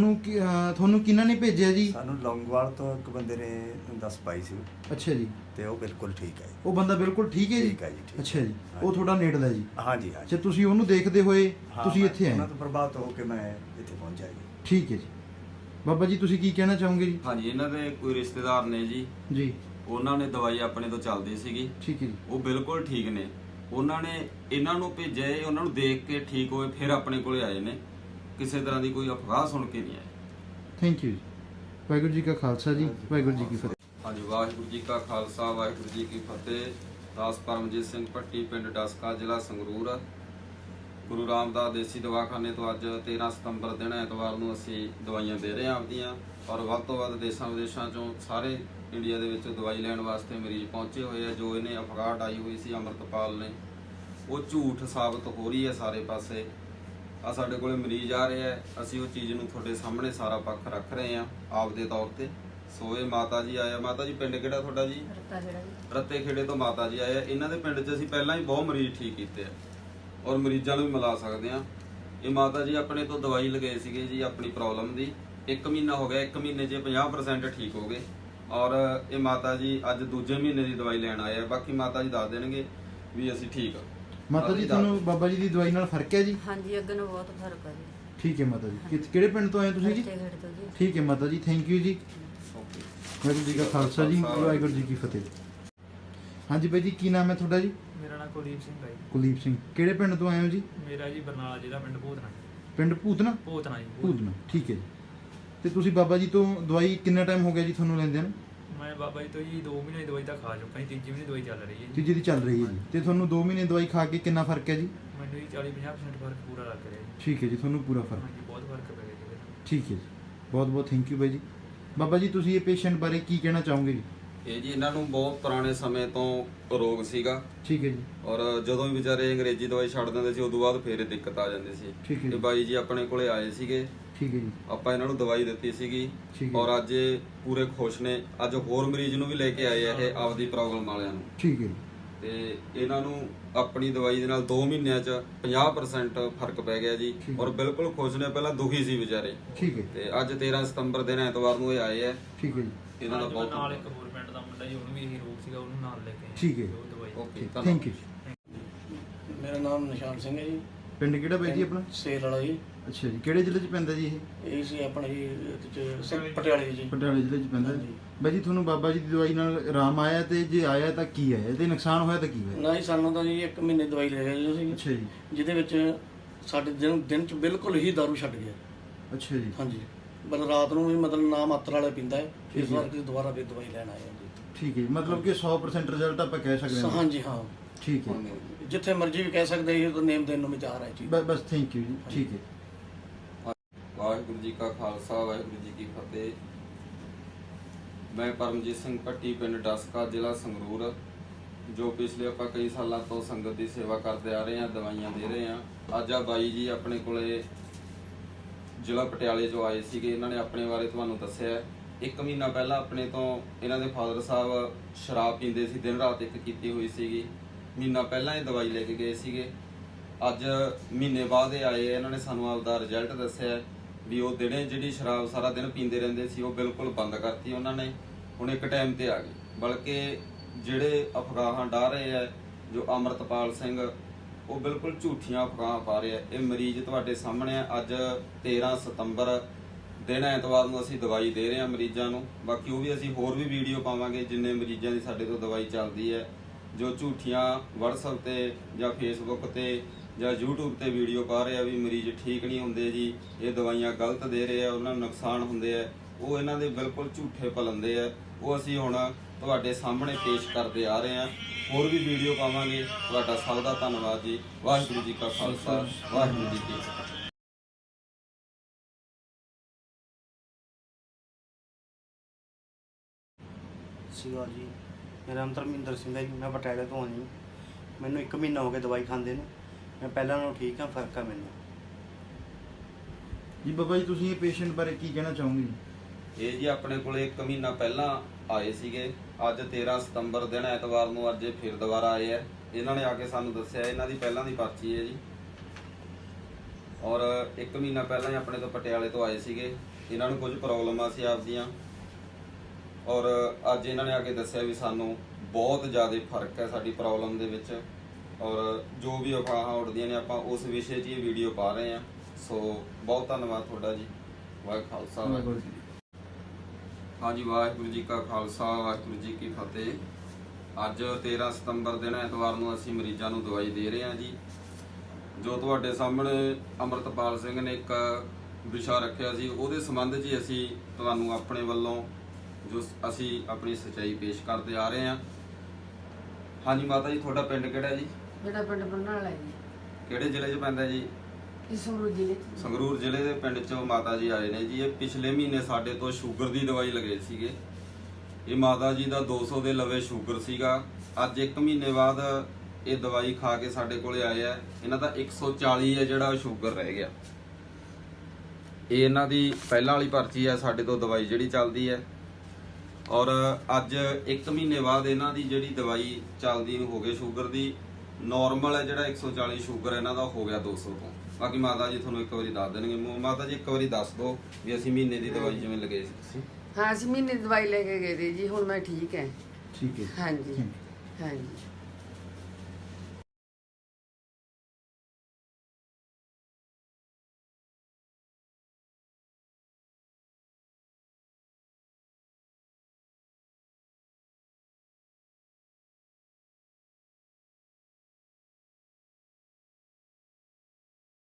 ਤੁਹਾਨੂੰ ਕਿਹਨਾਂ ਨੇ ਭੇਜਿਆ ਜੀ? ਸਾਨੂੰ ਲੌਂਗੋਵਾਲ ਤੋਂ ਇੱਕ ਬੰਦੇ ਨੇ ਦੱਸ ਪਾਈ ਸੀ ਅੱਛਾ ਜੀ, ਤੇ ਉਹ ਬਿਲਕੁਲ ਠੀਕ ਹੈ ਜੀ। ਉਹ ਬੰਦਾ ਬਿਲਕੁਲ ਠੀਕ ਹੈ ਜੀ? ਠੀਕ ਹੈ ਜੀ, ਠੀਕ। ਅੱਛਾ ਜੀ, ਉਹ ਹਾਂਜੀ। ਤੁਹਾਡਾ ਨੇੜਲਾ ਜੀ? ਹਾਂਜੀ ਹਾਂਜੀ। ਅੱਛਾ, ਤੁਸੀਂ ਉਹਨੂੰ ਦੇਖਦੇ ਹੋਏ ਹਾਂ, ਤੁਸੀਂ ਮੈਂ ਇੱਥੇ ਆਏ? ਉਹਨਾਂ ਤੋਂ ਪ੍ਰਭਾਵਿਤ ਹੋ ਕੇ ਮੈਂ ਇੱਥੇ ਪਹੁੰਚਿਆ ਜੀ। ਠੀਕ ਹੈ ਜੀ। ਬਾਬਾ ਜੀ ਤੁਸੀਂ ਕੀ ਕਹਿਣਾ ਚਾਹੋਗੇ ਜੀ? ਹਾਂਜੀ, ਇਹਨਾਂ ਦੇ ਕੋਈ ਰਿਸ਼ਤੇਦਾਰ ਨੇ ਜੀ, ਜੀ, ਉਹਨਾਂ ਨੇ ਦਵਾਈ ਆਪਣੇ ਤੋਂ ਚੱਲਦੀ ਸੀਗੀ, ਠੀਕ ਹੈ ਜੀ, ਉਹ ਬਿਲਕੁਲ ਠੀਕ ਨੇ। ਉਹਨਾਂ ਨੇ ਇਹਨਾਂ ਨੂੰ ਭੇਜਿਆ, ਇਹ ਉਹਨਾਂ ਨੂੰ ਦੇਖ ਕੇ ਠੀਕ ਹੋਏ ਫਿਰ ਆਪਣੇ ਕੋਲੇ ਆਏ ਨੇ। ਕਿਸੇ ਤਰ੍ਹਾਂ ਦੀ ਕੋਈ ਅਫਵਾਹ ਸੁਣ ਕੇ ਨਹੀਂ ਆਏ। ਥੈਂਕ ਯੂ ਜੀ। ਵਾਹਿਗੁਰੂ ਜੀ ਕਾ ਖਾਲਸਾ ਜੀ, ਵਾਹਿਗੁਰੂ ਜੀ ਕੀ ਫਤਿਹ। ਹਾਂਜੀ, ਵਾਹਿਗੁਰੂ ਜੀ ਕਾ ਖਾਲਸਾ, ਵਾਹਿਗੁਰੂ ਜੀ ਕੀ ਫਤਿਹ। ਦਾਸ ਪਰਮਜੀਤ ਸਿੰਘ ਭੱਟੀ, ਪਿੰਡ ਡਸਕਾ, ਜ਼ਿਲ੍ਹਾ ਸੰਗਰੂਰ। ਗੁਰੂ ਰਾਮਦਾਸ ਦੇਸੀ ਦਵਾਖਾਨੇ ਤੋਂ ਅੱਜ 13 ਸਤੰਬਰ ਦਿਨ ਐਤਵਾਰ ਨੂੰ ਅਸੀਂ ਦਵਾਈਆਂ ਦੇ ਰਹੇ ਹਾਂ ਆਪਦੀਆਂ, ਔਰ ਵੱਧ ਤੋਂ ਵੱਧ ਦੇਸ਼ਾਂ ਵਿਦੇਸ਼ਾਂ ਚੋਂ ਸਾਰੇ ਇੰਡੀਆ ਦੇ ਵਿੱਚ ਦਵਾਈ ਲੈਣ ਵਾਸਤੇ ਮਰੀਜ਼ ਪਹੁੰਚੇ ਹੋਏ ਆ। ਜੋ ਇਹਨੇ ਅਫਵਾਹ ਆਈ ਹੋਈ ਸੀ ਅੰਮ੍ਰਿਤਪਾਲ ਨੇ, ਉਹ ਝੂਠ ਸਾਬਤ ਹੋ ਰਹੀ ਹੈ ਸਾਰੇ ਪਾਸੇ। ਆ ਸਾਡੇ ਕੋਲੇ ਮਰੀਜ਼ ਆ ਰਹੇ ਆ, ਅਸੀਂ ਉਹ ਚੀਜ਼ ਨੂੰ ਤੁਹਾਡੇ ਸਾਹਮਣੇ ਸਾਰਾ ਪੱਖ ਰੱਖ ਰਹੇ ਆ ਆਪਦੇ ਤੌਰ ਤੇ। ਸੋ ਇਹ ਮਾਤਾ ਜੀ ਆਇਆ। ਮਾਤਾ ਜੀ ਪਿੰਡ ਕਿਹੜਾ ਤੁਹਾਡਾ ਜੀ? ਰੱਤੇ ਖੇੜੇ ਤੋਂ ਮਾਤਾ ਜੀ ਆਏ ਆ। ਇਹਨਾਂ ਦੇ ਪਿੰਡ 'ਚ ਅਸੀਂ ਪਹਿਲਾਂ ਹੀ ਬਹੁਤ ਮਰੀਜ਼ ਠੀਕ ਕੀਤੇ ਆ, ਔਰ ਮਰੀਜ਼ਾਂ ਨੂੰ ਵੀ ਮਿਲਾ ਸਕਦੇ ਆ। ਇਹ ਮਾਤਾ ਜੀ ਆਪਣੇ ਤੋਂ ਦਵਾਈ ਲਗਾਏ ਸੀਗੇ ਜੀ ਆਪਣੀ ਪ੍ਰੋਬਲਮ ਦੀ। 1 ਮਹੀਨਾ ਹੋ ਗਿਆ, 1 ਮਹੀਨੇ 'ਚ 50% ਠੀਕ ਹੋ ਗਏ, ਔਰ ਇਹ ਮਾਤਾ ਜੀ ਅੱਜ ਦੂਜੇ ਮਹੀਨੇ ਦੀ ਦਵਾਈ ਲੈਣ ਆਏ ਆ। ਬਾਕੀ ਮਾਤਾ ਜੀ ਦੱਸ ਦੇਣਗੇ ਵੀ ਅਸੀਂ ਠੀਕ ਆ। ਮਾਤਾ ਜੀ ਤੁਹਾਨੂੰ ਬਾਬਾ ਜੀ ਦੀ ਦਵਾਈ ਨਾਲ ਫਰਕ ਹੈ ਜੀ? ਹਾਂਜੀ, ਅੱਗੇ ਨੂੰ ਬਹੁਤ ਫਰਕ ਹੈ ਜੀ। ਠੀਕ ਹੈ ਮਾਤਾ ਜੀ। ਕਿਹੜੇ ਪਿੰਡ ਤੋਂ ਆਏ ਹੋ ਤੁਸੀਂ ਜੀ? ਰੱਤੇ ਖੇੜੇ ਤੋਂ ਜੀ। ਠੀਕ ਹੈ ਮਾਤਾ ਜੀ, ਥੈਂਕ ਯੂ ਜੀ। ਵਾਹਿਗੁਰੂ ਜੀ ਕਾ ਖਾਲਸਾ ਜੀ, ਵਾਹਿਗੁਰੂ ਜੀ ਕੀ ਫਤਿਹ। ਹਾਂਜੀ ਬਾਈ ਜੀ, ਕੀ ਨਾਮ ਹੈ ਤੁਹਾਡਾ ਜੀ? ਮੇਰਾ ਨਾਮ ਕੁਲਦੀਪ ਸਿੰਘ ਹੈ ਜੀ। ਕੁਲਦੀਪ ਸਿੰਘ, ਕਿਹੜੇ ਪਿੰਡ ਤੋਂ ਆਏ ਹੋ ਜੀ? ਮੇਰਾ ਜੀ ਬਰਨਾਲਾ ਜ਼ਿਲ੍ਹਾ, ਪਿੰਡ ਭੂਤਨਾ। ਪਿੰਡ ਭੂਤਨਾ? ਭੂਤਨਾ ਜੀ। ਭੂਤਨਾ, ਠੀਕ ਹੈ ਜੀ। ਤੇ ਤੁਸੀਂ ਬਾਬਾ ਜੀ ਤੋਂ ਦਵਾਈ ਕਿੰਨਾ ਟਾਈਮ ਹੋ ਗਿਆ ਜੀ ਤੁਹਾਨੂੰ ਲੈਂਦੇ ਨੂੰ? ਮੈਂ ਬਾਬਾ ਜੀ ਤੋਂ ਜੀ 2 ਮਹੀਨੇ ਦੀ ਦਵਾਈ ਤਾਂ ਖਾ ਚੁੱਕਾ ਜੀ, ਤੀਜੀ ਮਹੀਨੇ ਦਵਾਈ ਚੱਲ ਰਹੀ ਹੈ ਜੀ। ਤੀਜੀ ਦੀ ਚੱਲ ਰਹੀ ਹੈ ਜੀ। ਤੇ ਤੁਹਾਨੂੰ 2 ਮਹੀਨੇ ਦਵਾਈ ਖਾ ਕੇ ਕਿੰਨਾ ਫਰਕ ਹੈ ਜੀ? ਮੈਨੂੰ ਜੀ 40-50% ਫਰਕ ਪੂਰਾ ਲੱਗ ਰਿਹਾ ਜੀ। ਠੀਕ ਹੈ ਜੀ, ਤੁਹਾਨੂੰ ਪੂਰਾ ਫਰਕ। ਹਾਂਜੀ, ਬਹੁਤ ਫਰਕ ਪੈ ਗਿਆ ਜੀ ਇਹਦੇ ਨਾਲ। ਠੀਕ ਹੈ ਜੀ, ਬਹੁਤ ਬਹੁਤ ਥੈਂਕ ਯੂ ਬਾਈ ਜੀ। ਬਾਬਾ ਜੀ ਤੁਸੀਂ ਇਹ ਪੇਸ਼ੈਂਟ ਬਾਰੇ ਕੀ ਕਹਿਣਾ ਚਾਹੋਗੇ ਜੀ? ਇਹ ਜੀ ਇਹਨਾਂ ਨੂੰ ਬਹੁਤ ਪੁਰਾਣੇ ਸਮੇਂ ਤੋਂ ਰੋਗ ਸੀਗਾ, ਠੀਕ ਹੈ ਜੀ। ਔਰ ਜਦੋਂ ਵੀ ਵਿਚਾਰੇ ਅੰਗਰੇਜ਼ੀ ਦਵਾਈ ਛੱਡ ਦਿੰਦੇ ਸੀ, ਉਦੋਂ ਬਾਅਦ ਫੇਰ ਇਹ ਦਿੱਕਤ ਆ ਜਾਂਦੀ ਸੀ। ਠੀਕ ਹੈ ਤੇ ਜੀ। ਬਾਈ ਜੀ ਆਪਣੇ ਕੋਲੇ ਆਏ ਸੀਗੇ, ਠੀਕ ਹੈ ਜੀ। ਆਪਾਂ ਇਹਨਾਂ ਨੂੰ ਦਵਾਈ ਦਿੱਤੀ ਸੀਗੀ, ਠੀਕ ਹੈ। ਔਰ ਅੱਜ ਇਹ ਪੂਰੇ ਖੁਸ਼ ਨੇ। ਅੱਜ ਹੋਰ ਮਰੀਜ਼ ਨੂੰ ਵੀ ਲੈ ਕੇ ਆਏ ਆ ਇਹ ਆਪਦੀ ਪ੍ਰੋਬਲਮ ਵਾਲਿਆਂ ਨੂੰ। ਠੀਕ ਹੈ ਜੀ। ਤੇ ਇਹਨਾਂ ਨੂੰ ਆਪਣੀ ਦਵਾਈ ਦੇ ਨਾਲ 2 ਮਹੀਨਿਆਂ 'ਚ 50% ਫਰਕ ਪੈ ਗਿਆ ਜੀ, ਠੀਕ। ਔਰ ਬਿਲਕੁਲ ਖੁਸ਼ ਨੇ। ਪਹਿਲਾਂ ਦੁਖੀ ਸੀ ਵਿਚਾਰੇ। ਠੀਕ ਹੈ। ਤੇ ਅੱਜ 13 ਸਤੰਬਰ ਦਿਨ ਐਤਵਾਰ ਨੂੰ ਇਹ ਆਏ ਆ। ਠੀਕ ਹੈ ਜੀ। ਇਹਨਾਂ ਦਾ ਅੱਜ ਬਹੁਤ ਨਾਲ ਇੱਕ ਹੋਰ ਪਿੰਡ ਦਾ ਮੁੰਡਾ ਜੀ, ਉਹਨੂੰ ਵੀ ਇਹੀ ਰੋਗ ਸੀਗਾ, ਉਹਨੂੰ ਨਾਲ ਲੈ ਕੇ ਆਏ। ਠੀਕ ਹੈ। ਉਹ ਦਵਾਈ। Okay, thank you. ਮੇਰਾ ਨਾਮ ਨਿਸ਼ਾਨ ਸਿੰਘ ਹੈ ਜੀ। ਪਿੰਡ ਕਿਹੜਾ ਬਾਈ ਜੀ ਆਪਣਾ? ਸੇਲ ਵਾਲਾ ਜੀ। ਅੱਛਾ ਜੀ, ਕਿਹੜੇ ਜ਼ਿਲ੍ਹੇ 'ਚ ਪੈਂਦਾ ਜੀ ਇਹ? ਇਹ ਸੀ ਆਪਣਾ ਜੀ ਪਟਿਆਲੇ ਜੀ। ਪਟਿਆਲੇ ਜ਼ਿਲ੍ਹੇ 'ਚ ਪੈਂਦਾ ਜੀ। ਹਾਂਜੀ। ਬਾਈ ਜੀ ਤੁਹਾਨੂੰ ਬਾਬਾ ਜੀ ਦੀ ਦਵਾਈ ਨਾਲ ਆਰਾਮ ਆਇਆ, ਤੇ ਜੇ ਆਇਆ ਤਾਂ ਕੀ ਆਇਆ, ਤੇ ਨੁਕਸਾਨ ਹੋਇਆ ਤਾਂ ਕੀ ਹੋਇਆ? ਨਾ ਜੀ, ਸਾਨੂੰ ਤਾਂ ਜੀ 1 ਮਹੀਨੇ ਦਵਾਈ ਲੈ ਗਏ ਜੀ ਅਸੀਂ, ਅੱਛਾ ਜੀ। ਜਿਹਦੇ ਵਿੱਚ ਸਾਡੇ ਦਿਨ ਚ ਬਿਲਕੁਲ ਹੀ ਦਾਰੂ ਛੱਡ ਗਿਆ। ਅੱਛਾ ਜੀ। ਹਾਂਜੀ, ਬਲ ਰਾਤ ਨੂੰ ਵੀ ਮਤਲਬ ਨਾ ਮਾਤਰਾ ਵਾਲਾ ਪੀਂਦਾ ਹੈ। ਠੀਕ ਇਸ ਹੈ। ਵਾਰ ਕਿ ਦੁਬਾਰਾ ਵੀ ਦਵਾਈ ਲੈਣ ਆਏ ਹਾਂ ਜੀ। ਠੀਕ ਹੈ ਜੀ, ਮਤਲਬ ਕਿ 100% ਰਿਜ਼ਲਟ ਆਪਾਂ ਕਹਿ ਸਕਦੇ ਹਾਂ। ਹਾਂਜੀ ਹਾਂ, ਠੀਕ ਹੈ। ਜਿੱਥੇ ਮਰਜ਼ੀ ਵੀ ਕਹਿ ਸਕਦੇ ਜੀ, ਨੇਮ ਦੇਣ ਨੂੰ ਵੀ ਤਿਆਰ ਹੈ ਜੀ। ਬਸ ਥੈਂਕ ਯੂ ਜੀ। ਠੀਕ ਹੈ। ਵਾਹਿਗੁਰੂ ਜੀ ਕਾ ਖਾਲਸਾ, ਵਾਹਿਗੁਰੂ ਜੀ ਕੀ ਫਤਿਹ। ਮੈਂ ਪਰਮਜੀਤ ਸਿੰਘ ਭੱਟੀ, ਪਿੰਡ ਡਸਕਾ, ਜ਼ਿਲ੍ਹਾ ਸੰਗਰੂਰ, ਜੋ ਪਿਛਲੇ ਆਪਾਂ ਕਈ ਸਾਲਾਂ ਤੋਂ ਸੰਗਤ ਦੀ ਸੇਵਾ ਕਰਦੇ ਆ ਰਹੇ ਹਾਂ, ਦਵਾਈਆਂ ਦੇ ਰਹੇ ਹਾਂ। ਅੱਜ ਆ ਬਾਈ ਜੀ ਆਪਣੇ ਕੋਲੇ ਜ਼ਿਲ੍ਹਾ ਪਟਿਆਲੇ ਤੋਂ ਆਏ ਸੀਗੇ। ਇਹਨਾਂ ਨੇ ਆਪਣੇ ਬਾਰੇ ਤੁਹਾਨੂੰ ਦੱਸਿਆ। 1 ਮਹੀਨਾ ਪਹਿਲਾਂ ਆਪਣੇ ਤੋਂ ਇਹਨਾਂ ਦੇ ਫਾਦਰ ਸਾਹਿਬ ਸ਼ਰਾਬ ਪੀਂਦੇ ਸੀ, ਦਿਨ ਰਾਤ ਇੱਕ ਕੀਤੀ ਹੋਈ ਸੀਗੀ। ਮਹੀਨਾ ਪਹਿਲਾਂ ਇਹ ਦਵਾਈ ਲੈ ਕੇ ਗਏ ਸੀਗੇ। ਅੱਜ ਮਹੀਨੇ ਬਾਅਦ ਇਹ ਆਏ। ਇਹਨਾਂ ਨੇ ਸਾਨੂੰ ਆਪਦਾ ਰਿਜ਼ਲਟ ਦੱਸਿਆ ਵੀ ਉਹ ਦਿਨੇ ਜਿਹੜੀ ਸ਼ਰਾਬ ਸਾਰਾ ਦਿਨ ਪੀਂਦੇ ਰਹਿੰਦੇ ਸੀ, ਉਹ ਬਿਲਕੁਲ ਬੰਦ ਕਰਤੀ ਉਹਨਾਂ ਨੇ। ਹੁਣ ਇੱਕ ਟਾਈਮ ਤੇ ਆ ਗਏ। ਬਲਕਿ ਜਿਹੜੇ ਅਫਵਾਹਾਂ ਡਾ ਰਹੇ ਆ ਜੋ ਅੰਮ੍ਰਿਤਪਾਲ ਸਿੰਘ, ਉਹ ਬਿਲਕੁਲ ਝੂਠੀਆਂ ਅਫਵਾਹਾਂ ਪਾ ਰਹੇ ਆ। ਇਹ ਮਰੀਜ਼ ਤੁਹਾਡੇ ਸਾਹਮਣੇ ਆ। ਅੱਜ 13 ਸਤੰਬਰ ਦਿਨ ਐਤਵਾਰ ਨੂੰ ਅਸੀਂ ਦਵਾਈ ਦੇ ਰਹੇ ਹਾਂ ਮਰੀਜ਼ਾਂ ਨੂੰ। ਬਾਕੀ ਉਹ ਵੀ ਅਸੀਂ ਹੋਰ ਵੀ ਵੀਡੀਓ ਪਾਵਾਂਗੇ ਜਿੰਨੇ ਮਰੀਜ਼ਾਂ ਦੀ ਸਾਡੇ ਤੋਂ ਦਵਾਈ ਚੱਲਦੀ ਹੈ। ਜੋ ਝੂਠੀਆਂ WhatsApp ਤੇ ਜਾਂ Facebook ਤੇ ਜਾਂ YouTube ਤੇ ਵੀਡੀਓ ਪਾ ਰਹੇ ਆ ਵੀ ਮਰੀਜ਼ ਠੀਕ ਨਹੀਂ ਹੁੰਦੇ ਜੀ, ਇਹ ਦਵਾਈਆਂ ਗਲਤ ਦੇ ਰਹੇ ਆ, ਉਹਨਾਂ ਨੂੰ ਨੁਕਸਾਨ ਹੁੰਦੇ ਆ, ਉਹ ਇਹਨਾਂ ਦੇ ਬਿਲਕੁਲ ਝੂਠੇ ਪਲੰਦੇ ਆ। ਉਹ ਅਸੀਂ ਹੁਣ ਤੁਹਾਡੇ ਸਾਹਮਣੇ ਪੇਸ਼ ਕਰਦੇ ਆ ਰਹੇ ਹਾਂ। ਹੋਰ ਵੀ ਵੀਡੀਓ ਪਾਵਾਂਗੇ। ਤੁਹਾਡਾ ਸਭ ਦਾ ਧੰਨਵਾਦ ਜੀ। ਵਾਹਿਗੁਰੂ ਜੀ ਕਾ ਖਾਲਸਾ, ਵਾਹਿਗੁਰੂ ਜੀ ਕੀ ਫਤਿਹ। ਸੀਗਾ ਜੀ। ਮੇਰਾ ਨਾਮ ਧਰਮਿੰਦਰ ਸਿੰਘ ਹੈ ਜੀ। ਮੈਂ ਪਟਿਆਲੇ ਤੋਂ ਹਾਂ ਜੀ। ਮੈਨੂੰ 1 ਮਹੀਨਾ ਹੋ ਗਿਆ ਦਵਾਈ ਖਾਂਦੇ ਨੂੰ। ਮੈਂ ਪਹਿਲਾਂ ਨਾਲੋਂ ਠੀਕ ਹਾਂ, ਫਰਕ ਆ ਮੈਨੂੰ ਜੀ। ਬਾਬਾ ਜੀ ਤੁਸੀਂ ਇਹ ਪੇਸ਼ੈਂਟ ਬਾਰੇ ਕੀ ਕਹਿਣਾ ਚਾਹੋਗੇ ਜੀ? ਇਹ ਜੀ ਆਪਣੇ ਕੋਲੇ 1 ਮਹੀਨਾ ਪਹਿਲਾਂ ਆਏ ਸੀਗੇ। ਅੱਜ 13 ਸਤੰਬਰ ਦਿਨ ਐਤਵਾਰ ਨੂੰ ਅੱਜ ਇਹ ਫਿਰ ਦੁਬਾਰਾ ਆਏ ਆ। ਇਹਨਾਂ ਨੇ ਆ ਕੇ ਸਾਨੂੰ ਦੱਸਿਆ, ਇਹਨਾਂ ਦੀ ਪਹਿਲਾਂ ਦੀ ਪਰਚੀ ਹੈ ਜੀ, ਔਰ 1 ਮਹੀਨਾ ਪਹਿਲਾਂ ਹੀ ਆਪਣੇ ਤੋਂ ਪਟਿਆਲੇ ਤੋਂ ਆਏ ਸੀਗੇ। ਇਹਨਾਂ ਨੂੰ ਕੁਝ ਪ੍ਰੋਬਲਮਾਂ ਸੀ ਆਪਦੀਆਂ, ਔਰ ਅੱਜ ਇਹਨਾਂ ਨੇ ਆ ਕੇ ਦੱਸਿਆ ਵੀ ਸਾਨੂੰ ਬਹੁਤ ਜ਼ਿਆਦਾ ਫਰਕ ਹੈ ਸਾਡੀ ਪ੍ਰੋਬਲਮ ਦੇ ਵਿੱਚ। ਔਰ ਜੋ ਵੀ ਅਫਵਾਹਾਂ ਉੱਡਦੀਆਂ ਨੇ, ਆਪਾਂ ਉਸ ਵਿਸ਼ੇ 'ਚ ਇਹ ਵੀਡੀਓ ਪਾ ਰਹੇ ਹਾਂ। ਸੋ ਬਹੁਤ ਧੰਨਵਾਦ ਤੁਹਾਡਾ ਜੀ। ਵਾਹਿਗੁਰੂ ਖਾਲਸਾ, ਵਾਹਿਗੁਰੂ ਜੀ। ਹਾਂਜੀ, ਵਾਹਿਗੁਰੂ ਜੀ ਕਾ ਖਾਲਸਾ, ਵਾਹਿਗੁਰੂ ਜੀ ਕੀ ਫਤਿਹ। ਅੱਜ 13 ਸਤੰਬਰ ਦਿਨ ਐਤਵਾਰ ਨੂੰ ਅਸੀਂ ਮਰੀਜ਼ਾਂ ਨੂੰ ਦਵਾਈ ਦੇ ਰਹੇ ਹਾਂ ਜੀ। ਜੋ ਤੁਹਾਡੇ ਸਾਹਮਣੇ ਅੰਮ੍ਰਿਤਪਾਲ ਸਿੰਘ ਨੇ ਇੱਕ ਵਿਸ਼ਾ ਰੱਖਿਆ ਸੀ, ਉਹਦੇ ਸੰਬੰਧ 'ਚ ਅਸੀਂ ਤੁਹਾਨੂੰ ਆਪਣੇ ਵੱਲੋਂ ਜੋ ਅਸੀਂ ਆਪਣੀ ਸੱਚਾਈ ਪੇਸ਼ ਕਰਦੇ ਆ ਰਹੇ ਹਾਂ। ਹਾਂਜੀ ਮਾਤਾ ਜੀ, ਤੁਹਾਡਾ ਪਿੰਡ ਕਿਹੜਾ ਜੀ? ਮੇਰਾ ਪਿੰਡ ਬਰਨਾਲਾ ਹੈ ਜੀ। ਕਿਹੜੇ ਜ਼ਿਲ੍ਹੇ 'ਚ ਪੈਂਦਾ ਜੀ? ਇਹ ਸੰਗਰੂਰ ਜ਼ਿਲ੍ਹੇ 'ਚ। ਸੰਗਰੂਰ ਜ਼ਿਲ੍ਹੇ ਦੇ ਪਿੰਡ 'ਚੋਂ ਮਾਤਾ ਜੀ ਆਏ ਨੇ ਜੀ। ਇਹ ਪਿਛਲੇ ਮਹੀਨੇ ਸਾਡੇ ਤੋਂ ਸ਼ੂਗਰ ਦੀ ਦਵਾਈ ਲਗੇ ਸੀਗੇ। ਇਹ ਮਾਤਾ ਜੀ ਦਾ 200 ਦੇ ਲਵੇ ਸ਼ੂਗਰ ਸੀਗਾ। ਅੱਜ 1 ਮਹੀਨੇ ਬਾਅਦ ਇਹ ਦਵਾਈ ਖਾ ਕੇ ਸਾਡੇ ਕੋਲੇ ਆਏ ਆ। ਇਹਨਾਂ ਦਾ 140 ਹੈ ਜਿਹੜਾ ਸ਼ੂਗਰ ਰਹਿ ਗਿਆ। ਇਹ ਇਹਨਾਂ ਦੀ ਪਹਿਲਾਂ ਵਾਲੀ ਪਰਚੀ ਹੈ, ਸਾਡੇ ਤੋਂ ਦਵਾਈ ਜਿਹੜੀ ਚੱਲਦੀ ਹੈ। ਔਰ ਅੱਜ 1 ਮਹੀਨੇ ਬਾਅਦ ਇਹਨਾਂ ਦੀ ਜਿਹੜੀ ਦਵਾਈ ਚੱਲਦੀ ਨੂੰ ਹੋ ਗਈ ਸ਼ੂਗਰ ਦੀ। ਨਾਰਮਲ ਹੈ ਜਿਹੜਾ 140 ਸ਼ੂਗਰ ਇਹਨਾਂ ਦਾ ਹੋ ਗਿਆ 200 ਤੋਂ। ਬਾਕੀ ਮਾਤਾ ਜੀ ਤੁਹਾਨੂੰ ਇੱਕ ਵਾਰੀ ਦੱਸ ਦੇਣਗੇ। ਮਾਤਾ ਜੀ ਇੱਕ ਵਾਰੀ ਦੱਸ ਦਿਓ ਵੀ ਅਸੀਂ ਮਹੀਨੇ ਦੀ ਦਵਾਈ ਜਿਵੇਂ ਲਗੇ ਸੀ ਤੁਸੀਂ। ਹਾਂ ਅਸੀਂ ਮਹੀਨੇ ਦੀ ਦਵਾਈ ਲੈ ਕੇ ਗਏ ਸੀ ਜੀ, ਹੁਣ ਮੈਂ ਠੀਕ ਹੈ। ਠੀਕ ਹੈ। ਹਾਂਜੀ ਹਾਂਜੀ।